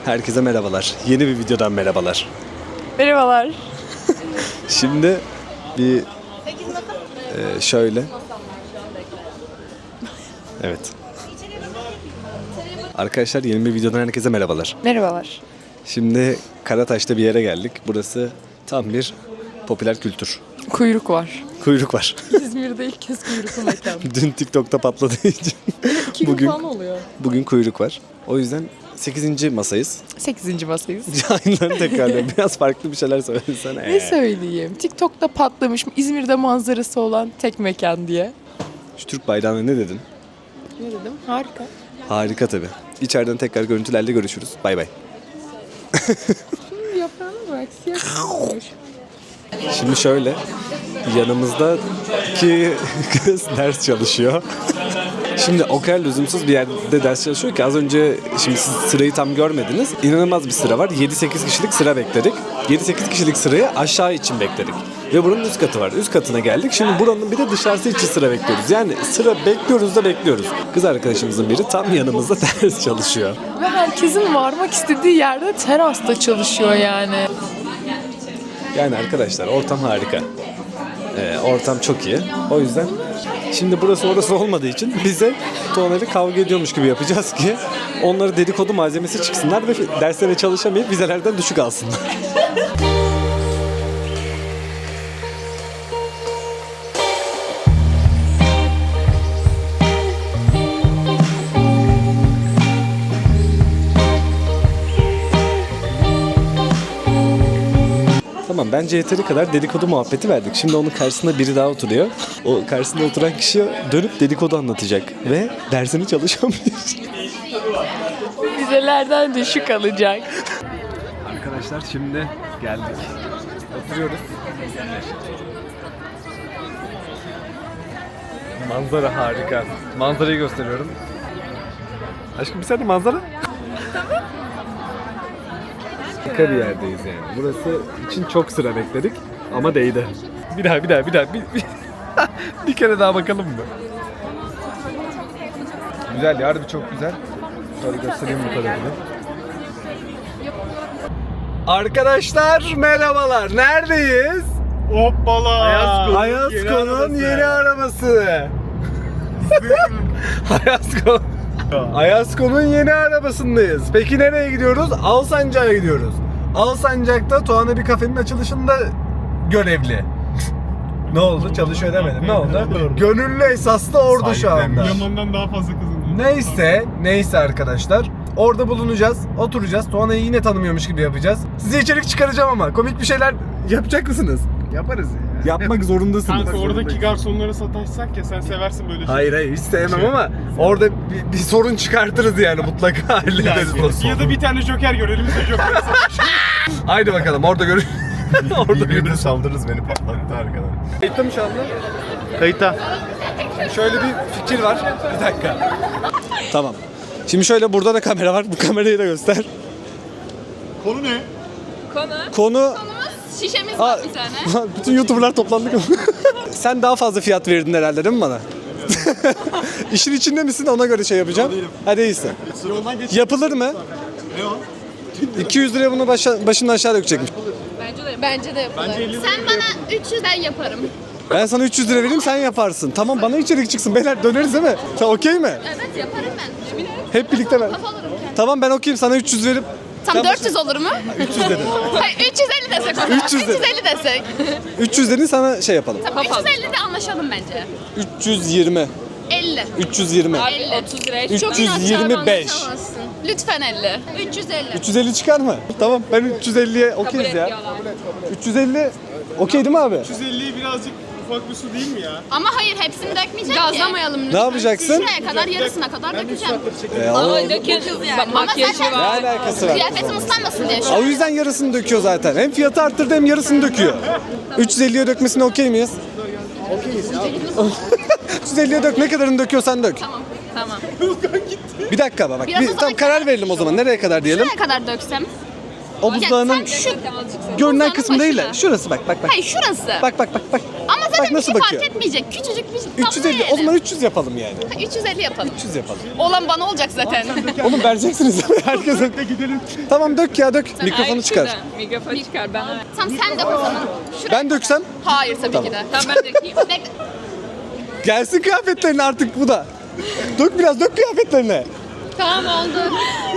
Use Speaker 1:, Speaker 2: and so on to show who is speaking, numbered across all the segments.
Speaker 1: Herkese merhabalar. Yeni bir videodan merhabalar.
Speaker 2: Merhabalar.
Speaker 1: Şimdi bir şöyle. Evet. Arkadaşlar yeni bir videodan herkese merhabalar.
Speaker 2: Merhabalar.
Speaker 1: Şimdi Karataş'ta bir yere geldik. Burası tam bir popüler kültür.
Speaker 2: Kuyruk var.
Speaker 1: Kuyruk var.
Speaker 2: İzmir'de ilk kez kuyruklu mekan.
Speaker 1: Dün TikTok'ta patladığı için
Speaker 2: 2 gün
Speaker 1: bugün
Speaker 2: falan oluyor.
Speaker 1: bugün kuyruk var. O yüzden 8. masayız.
Speaker 2: 8. masayız.
Speaker 1: Aynıları tekrarlıyorum. Biraz farklı bir şeyler söylesene.
Speaker 2: Ne söyleyeyim? TikTok'ta patlamış İzmir'de manzarası olan tek mekan diye.
Speaker 1: Şu Türk bayrağına ne dedin?
Speaker 2: Ne dedim? Harika.
Speaker 1: Harika tabii. İçeriden tekrar görüntülerle görüşürüz. Bay bay.
Speaker 2: Şimdi yaprağına bak. Siyah olmuş.
Speaker 1: Şimdi şöyle. Yanımızdaki kız ders çalışıyor. Şimdi o kadar lüzumsuz bir yerde ders çalışıyor ki az önce şimdi siz sırayı tam görmediniz. İnanılmaz bir sıra var. 7-8 kişilik sıra bekledik. 7-8 kişilik sırayı aşağı için bekledik. Ve buranın üst katı var. Üst katına geldik. Şimdi buranın bir de dışarısı için sıra bekliyoruz. Yani sıra bekliyoruz da bekliyoruz. Kız arkadaşımızın biri tam yanımızda ders çalışıyor.
Speaker 2: Ve herkesin varmak istediği yerde terasta çalışıyor yani.
Speaker 1: Yani arkadaşlar ortam harika. Ortam çok iyi. O yüzden şimdi burası orası olmadığı için bize Tuğan'la kavga ediyormuş gibi yapacağız ki onları dedikodu malzemesi çıksınlar ve derslere çalışamayıp vizelerden düşük alsınlar. Tamam, bence yeteri kadar dedikodu muhabbeti verdik. Şimdi onun karşısında biri daha oturuyor. O karşısında oturan kişi dönüp dedikodu anlatacak ve dersini çalışamıyor.
Speaker 2: Vizelerden düşük alacak.
Speaker 1: Arkadaşlar şimdi geldik. Oturuyoruz. Manzara harika. Manzarayı gösteriyorum. Aşkım bir saniye manzara. Harika bir yerdeyiz yani. Burası için çok sıra bekledik ama değdi. Bir daha. Bir kere daha bakalım mı? Güzel ya, harbi çok güzel. Şöyle göstereyim bu tarafını. Arkadaşlar merhabalar. Neredeyiz?
Speaker 3: Hoppala!
Speaker 1: Ayasko'nun yeni arabası. Ayasko'nun yeni arabasındayız. Peki nereye gidiyoruz? Alsancak'a gidiyoruz. Alsancak'ta Tuğan'a bir kafenin açılışında görevli. Ne oldu? Çalışıyor demedim. Ne oldu? Gönüllü esaslı orada şu anda.
Speaker 3: Yaman'dan daha fazla kazanıyor.
Speaker 1: Neyse arkadaşlar. Orada bulunacağız, oturacağız. Tuğan'ı yine tanımıyormuş gibi yapacağız. Size içerik çıkaracağım ama komik bir şeyler yapacak mısınız?
Speaker 3: Yaparız ya.
Speaker 1: Yapmak zorundasınız.
Speaker 3: Kanka oradaki garsonlara sataşsak ya, sen seversin böyle şeyleri.
Speaker 1: Hayır hiç sevmem ama orada bir sorun çıkartırız yani, mutlaka hallederiz o sorunu.
Speaker 3: Ya da bir tane joker görelim de joker'e sataşalım.
Speaker 1: Haydi bakalım orada orada
Speaker 3: Birbirine saldırırız, beni patlattı arkadan.
Speaker 1: Kayıtta mı şu anda?
Speaker 3: Kayıtta.
Speaker 1: Şöyle bir fikir var. Bir dakika. Tamam. Şimdi şöyle, burada da kamera var. Bu kamerayı da göster.
Speaker 3: Konu ne?
Speaker 1: Konu...
Speaker 4: Şişemiz var bir tane.
Speaker 1: Bütün YouTuber'lar toplandık. Sen daha fazla fiyat verirdin herhalde değil mi bana? İşin içinde misin? Ona göre şey yapacağım. Hadi iyisi. Yapılır mı?
Speaker 3: Ne o?
Speaker 1: 200 liraya bunu başından aşağı dökecekmiş.
Speaker 4: Bence de yapılır. Sen bana 300 ben yaparım.
Speaker 1: Ben sana 300 lira vereyim, sen yaparsın. Tamam, bana içerik çıksın. Beyler döneriz değil mi? Sen okey mi?
Speaker 4: Evet yaparım ben.
Speaker 1: Hep birlikte ben.
Speaker 4: Kafa alırım kendim.
Speaker 1: Tamam, ben okeyim, sana 300 verip.
Speaker 4: Tam 400 olur mu?
Speaker 1: 300 dedim.
Speaker 4: Hayır 350 desek o zaman.
Speaker 1: 300 dedim.
Speaker 4: 350 desek.
Speaker 1: 300 dedin, sana şey yapalım.
Speaker 4: Tamam 350 de anlaşalım bence.
Speaker 1: 320.
Speaker 4: 50.
Speaker 1: 320.
Speaker 4: 50.
Speaker 2: 30 liraya
Speaker 1: 325.
Speaker 4: Lütfen 50. 350.
Speaker 1: 350 çıkar mı? Tamam, ben 350'ye okeyiz ya. 350 okey değil mi abi?
Speaker 3: 150'yi birazcık ufak bir su değil mi ya?
Speaker 4: Ama hayır hepsini dökmeyeceğim ki.
Speaker 2: Gazlamayalım
Speaker 1: Ne
Speaker 2: lütfen.
Speaker 1: yapacaksın?
Speaker 4: Şuraya kadar yarısına kadar dökeceğim.
Speaker 2: Makyajı
Speaker 4: zaten-
Speaker 2: var.
Speaker 1: Ne alakası var?
Speaker 4: Kıyafetim ıslanmasın diye şu
Speaker 1: O
Speaker 4: an.
Speaker 1: yüzden yarısını döküyor zaten. Hem fiyatı arttırdı hem yarısını döküyor. 350'ye dökmesine okey miyiz? Okeyiz ya. 350'ye dök, ne kadarını döküyorsan dök.
Speaker 4: Tamam.
Speaker 1: Bir dakika bak.
Speaker 4: Biraz o zaman
Speaker 1: Tam karar verelim o zaman. Nereye kadar diyelim?
Speaker 4: Şuraya kadar döksem.
Speaker 1: O buzdağının
Speaker 4: Sen şu
Speaker 1: görünen
Speaker 4: buzdağının
Speaker 1: kısmı değil de
Speaker 4: başına.
Speaker 1: şurası bak.
Speaker 4: Hayır şurası.
Speaker 1: Bak.
Speaker 4: Ama
Speaker 1: Bak nasıl
Speaker 4: bir şey
Speaker 1: bakıyor.
Speaker 4: fark etmeyecek. Küçücük bir
Speaker 1: 350. O zaman 300 yapalım yani.
Speaker 4: 350 yapalım.
Speaker 1: 300 yapalım.
Speaker 4: Olan bana olacak zaten.
Speaker 1: Oğlum vereceksiniz herkese. Gidelim. Tamam dök ya dök. Mikrofonu çıkar.
Speaker 2: Mikrofonu çıkar ben.
Speaker 4: Tamam sen de o zaman. Şuraya.
Speaker 1: Ben döksem
Speaker 4: Hayır tabii ki de.
Speaker 2: Tamam ben dökeyim.
Speaker 4: Bekle.
Speaker 1: gelsin kıyafetlerine artık bu da. Dök biraz dök kıyafetlerine.
Speaker 4: Tamam oldu.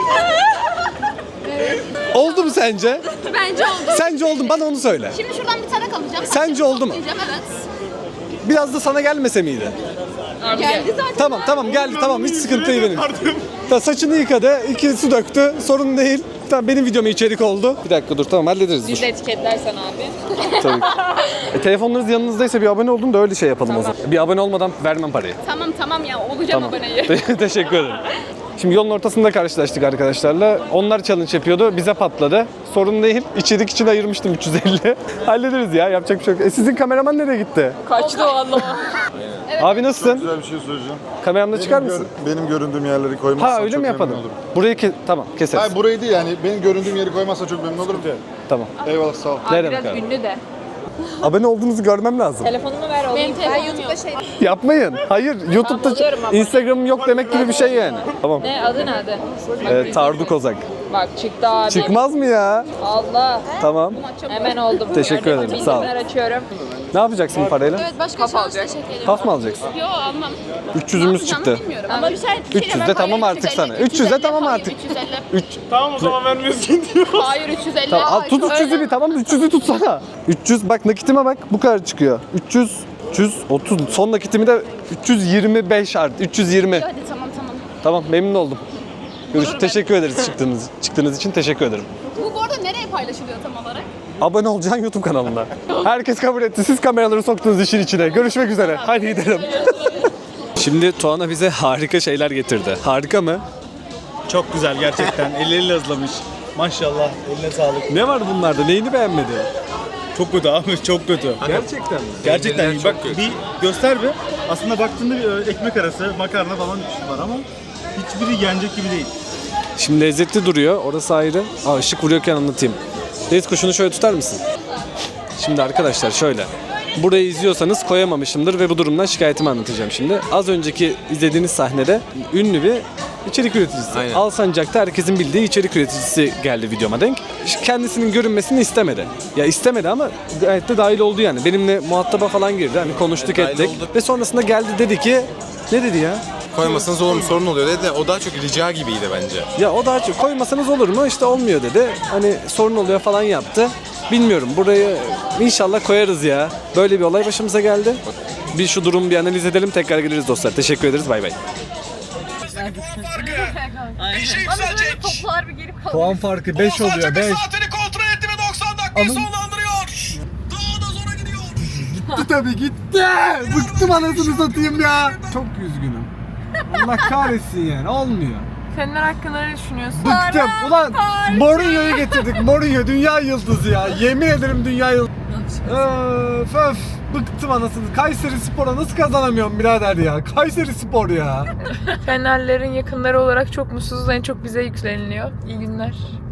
Speaker 1: Oldu mu sence?
Speaker 4: Bence oldu.
Speaker 1: Sence oldu mu? Bana onu söyle.
Speaker 4: Şimdi şuradan bir tarak alacağım.
Speaker 1: Sence oldu mu?
Speaker 4: Toplayacağım, evet.
Speaker 1: Biraz da sana gelmese miydi?
Speaker 4: Geldi zaten.
Speaker 1: Tamam geldi tamam hiç sıkıntı değil benim. Tamam, saçını yıkadı, 2 su döktü, sorun değil. Tamam benim videoma içerik oldu. Bir dakika dur tamam hallederiz.
Speaker 2: Biz de etiketlersen abi.
Speaker 1: Tabii. Telefonlarınız yanınızdaysa bir abone olun da öyle şey yapalım o zaman. Bir abone olmadan vermem parayı.
Speaker 4: Tamam ya olacağım aboneyi.
Speaker 1: Teşekkür ederim. Şimdi yolun ortasında karşılaştık arkadaşlarla. Onlar challenge yapıyordu. Bize patladı. Sorun değil. İçerik için ayırmıştım 350. Hallederiz ya. Yapacak bir şey yok. Sizin kameraman nereye gitti?
Speaker 2: Kaçtı valla.
Speaker 1: Abi nasılsın?
Speaker 5: Güzel bir şey söyleyeceğim.
Speaker 1: Kameramda çıkar mısın?
Speaker 5: Benim göründüğüm yerleri koymazsan
Speaker 1: Ha öyle
Speaker 5: çok
Speaker 1: mi
Speaker 5: memnun
Speaker 1: yapalım?
Speaker 5: olurum.
Speaker 1: Burayı tamam keseriz.
Speaker 5: Hayır burayı değil yani benim göründüğüm yeri koymazsan çok memnun olurum.
Speaker 1: Tamam.
Speaker 5: Eyvallah sağ ol.
Speaker 1: Ne demek
Speaker 2: Biraz
Speaker 1: abi?
Speaker 2: ünlü de.
Speaker 1: Abone olduğunuzu görmem lazım.
Speaker 2: Telefonumu ver olayım.
Speaker 4: Benim YouTube'da şey.
Speaker 1: Yapmayın. Hayır. YouTube'da
Speaker 2: alıyorum abone.
Speaker 1: Instagram'ım yok demek gibi bir şey yani. Tamam.
Speaker 2: Ne adı ne adı?
Speaker 1: Tardu Kozak.
Speaker 2: Bak çıktı abi.
Speaker 1: Çıkmaz mı ya?
Speaker 2: Allah.
Speaker 1: Tamam.
Speaker 2: Hemen oldum.
Speaker 1: Teşekkür ederim,
Speaker 2: Bildirimler
Speaker 1: sağ ol.
Speaker 2: açıyorum.
Speaker 1: Ne yapacaksın bu parayla?
Speaker 4: Evet başka şey olursa teşekkür ederim.
Speaker 1: Taf mı alacaksın?
Speaker 4: Yo almam.
Speaker 1: 300'ümüz çıktı.
Speaker 4: Bilmiyorum. Ama bir şey
Speaker 1: 300 de tamam artık sana. 300 de tamam artık.
Speaker 4: 350.
Speaker 3: Tamam o zaman vermiyorsun diyor.
Speaker 4: Hayır 350.
Speaker 1: Tamam, al, tut 300'ü bir tamam 300'ü tutsana. 300 bak nakitime bak bu kadar çıkıyor. 330 son nakitimi de 325 artı 320.
Speaker 4: Hadi tamam.
Speaker 1: Tamam memnun oldum. Teşekkür ederiz çıktığınız için teşekkür ederim.
Speaker 4: Bu arada nereye paylaşılıyor tam olarak?
Speaker 1: Abone olacaksın YouTube kanalına. Herkes kabul etti. Siz kameraları soktunuz işin içine. Görüşmek üzere. Hadi gidelim. Şimdi Tuana bize harika şeyler getirdi. Harika mı?
Speaker 3: Çok güzel gerçekten. Elleriyle hazırlamış. Maşallah eline sağlık.
Speaker 1: Ne var bunlarda? Neyini beğenmedi?
Speaker 3: Çok kötü abi çok kötü.
Speaker 1: Gerçekten mi?
Speaker 3: Gerçekten iyi. Bak bir göster bir. Aslında baktığında bir ekmek arası makarna falan var ama hiçbiri yenecek gibi değil.
Speaker 1: Şimdi lezzetli duruyor. Orası ayrı. Aa, ışık vuruyorken anlatayım. Deniz kuşunu şöyle tutar mısın? Şimdi arkadaşlar şöyle. Burayı izliyorsanız koyamamışımdır ve bu durumdan şikayetimi anlatacağım şimdi. Az önceki izlediğiniz sahnede ünlü bir içerik üreticisi. Alsancak'ta herkesin bildiği içerik üreticisi geldi videoma denk. Kendisinin görünmesini istemedi. Ya istemedi ama gayet de dahil oldu yani. Benimle muhataba falan girdi. Hani konuştuk ettik. Ve sonrasında geldi dedi ki ne dedi ya?
Speaker 6: Koymasanız olur mu sorun oluyor dedi de o daha çok rica gibiydi bence.
Speaker 1: Ya o daha çok koymasanız olur mu? İşte olmuyor dedi. Hani sorun oluyor falan yaptı. Bilmiyorum burayı inşallah koyarız ya. Böyle bir olay başımıza geldi. Bir şu durumu bir analiz edelim tekrar geliriz dostlar. Teşekkür ederiz bay bay.
Speaker 4: Toplar bir gelip kalır.
Speaker 1: Puan farkı 5 oluyor 5.
Speaker 6: Saatini kontrol etti ve 90 dakikayı sonlandırıyor. Daha da zora gidiyor.
Speaker 1: Gitti tabii gitti. Bıktım anasını satayım ya. Çok üzgünüm. Allah kahretsin yani olmuyor.
Speaker 2: Seninler hakkında ne düşünüyorsun?
Speaker 1: Bıktım. Ulan Mourinho'yu getirdik. Mourinho dünya yıldızı ya. Yemin ederim dünya yıldızı. Öf. Bıktım anasını. Kayseri Spor'a nasıl kazanamıyorum birader ya? Kayseri Spor ya.
Speaker 2: Fenerlerin yakınları olarak çok mutsuzuz. En çok bize yükleniliyor. İyi günler.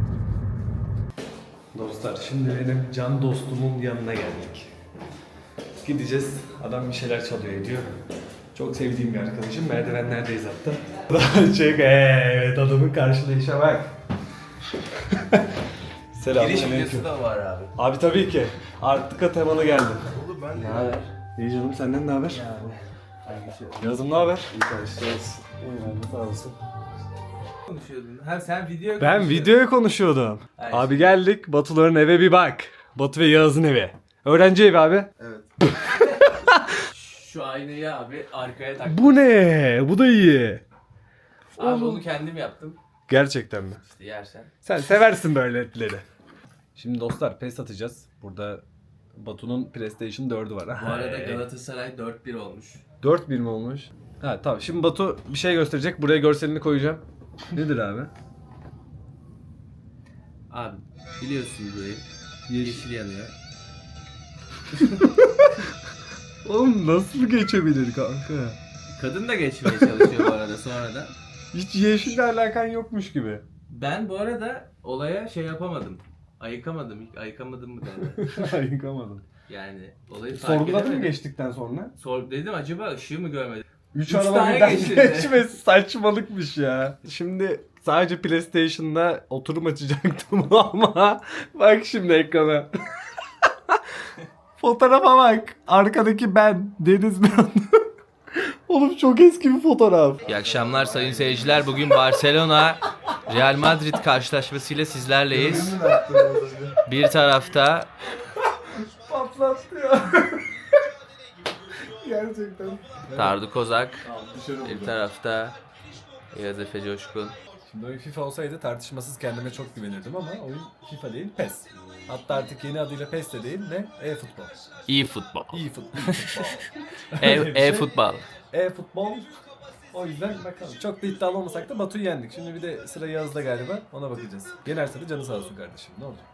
Speaker 1: Dostlar şimdi benim can dostumun yanına geldik. Gideceğiz. Adam bir şeyler çalıyor ediyor. Çok sevdiğim bir arkadaşım. Merdivenlerdeyiz hatta. Evet adamın karşılayışa bak. Selamünaleyküm.
Speaker 6: da var abi.
Speaker 1: Abi tabii ki. Arttıka temalı geldim. Oğlum ben de. Ne haber? İyi canım senden ne haber? Yazım ne haber? İyi karşılayız. Sağ olasın.
Speaker 6: Konuşuyordun. Ha sen video
Speaker 1: Ben videoya konuşuyordum.
Speaker 6: Hayır.
Speaker 1: Abi geldik. Batuların eve bir bak. Batu ve Yağız'ın evi. Öğrenci evi abi.
Speaker 6: Şu aynayı abi arkaya tak.
Speaker 1: Bu ne? Bu da iyi.
Speaker 6: Abi onu kendim yaptım.
Speaker 1: Gerçekten mi?
Speaker 6: İşte yersen.
Speaker 1: Sen seversin böyle etleri. Şimdi dostlar PES atacağız. Burada Batu'nun PlayStation 4'ü var.
Speaker 6: Bu arada Galatasaray 4-1 olmuş.
Speaker 1: 4-1 mi olmuş? Ha tamam. Şimdi Batu bir şey gösterecek. Buraya görselini koyacağım. Nedir abi?
Speaker 6: Abi biliyorsun burayı. Yeşil yanıyor.
Speaker 1: Oğlum nasıl geçebilir kanka?
Speaker 6: Kadın da geçmeye çalışıyor bu arada sonra da.
Speaker 1: Hiç yeşille alakan yokmuş gibi.
Speaker 6: Ben bu arada olaya şey yapamadım. Ayıkamadım. Ayıkamadım mı derler?
Speaker 1: Ayıkamadım.
Speaker 7: Yani olayı fark
Speaker 1: Sorguladın mı
Speaker 7: edemedim.
Speaker 1: geçtikten sonra?
Speaker 7: Dedim acaba ışığı mı görmedim?
Speaker 1: 3
Speaker 7: Üç
Speaker 1: araba
Speaker 7: tane
Speaker 1: birden
Speaker 7: geçti.
Speaker 1: geçmesi saçmalıkmış ya. Şimdi sadece PlayStation'da oturum açacaktım ama bak şimdi ekrana. Fotoğrafa bak. Arkadaki ben. Deniz Mehan. Oğlum çok eski bir fotoğraf.
Speaker 7: İyi akşamlar sayın seyirciler. Bugün Barcelona Real Madrid karşılaşmasıyla sizlerleyiz. Bir tarafta
Speaker 1: Patlattı ya. Gerçekten.
Speaker 7: Tardu Kozak, bir tarafta Yağız Efe Coşkun.
Speaker 1: Şimdi oyun FIFA olsaydı tartışmasız kendime çok güvenirdim ama oyun FIFA değil PES. Hatta artık yeni adıyla PES de değil ne? E-futbol.
Speaker 7: İyi futbol.
Speaker 1: E-futbol.
Speaker 7: E-futbol.
Speaker 1: E-futbol. O yüzden bakalım. Çok da iddialı olmasak da Batu'yu yendik. Şimdi bir de sıra Yağız'da galiba. Ona bakacağız. Yenerse de canı sağ olsun kardeşim. Ne olacak?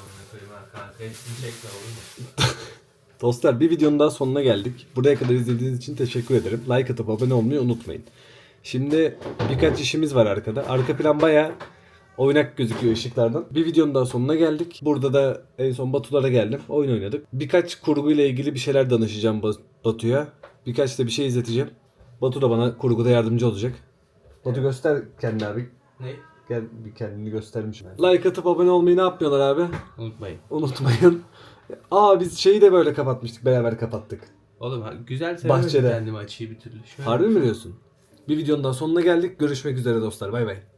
Speaker 1: Dostlar bir videonun daha sonuna geldik. Buraya kadar izlediğiniz için teşekkür ederim. Like atıp abone olmayı unutmayın. Şimdi birkaç işimiz var arkada. Arka plan bayağı oynak gözüküyor ışıklardan. Bir videonun daha sonuna geldik. Burada da en son Batu'lara geldim. Oyun oynadık. Birkaç kurguyla ilgili bir şeyler danışacağım Batu'ya. Birkaç da bir şey izleteceğim. Batu da bana kurguda yardımcı olacak. Batu göster kendini abi.
Speaker 7: Ne?
Speaker 1: Gel bir kendini göstermiş. Like atıp abone olmayı ne yapmıyorlar abi?
Speaker 7: Unutmayın.
Speaker 1: Unutmayın. Biz şeyi de böyle kapatmıştık. Beraber kapattık.
Speaker 7: Oğlum güzel sevemedim
Speaker 1: Bahçede.
Speaker 7: kendimi açıyı bir türlü. Şöyle
Speaker 1: Harbi mi diyorsun? Bir videonun daha sonuna geldik. Görüşmek üzere dostlar. Bay bay.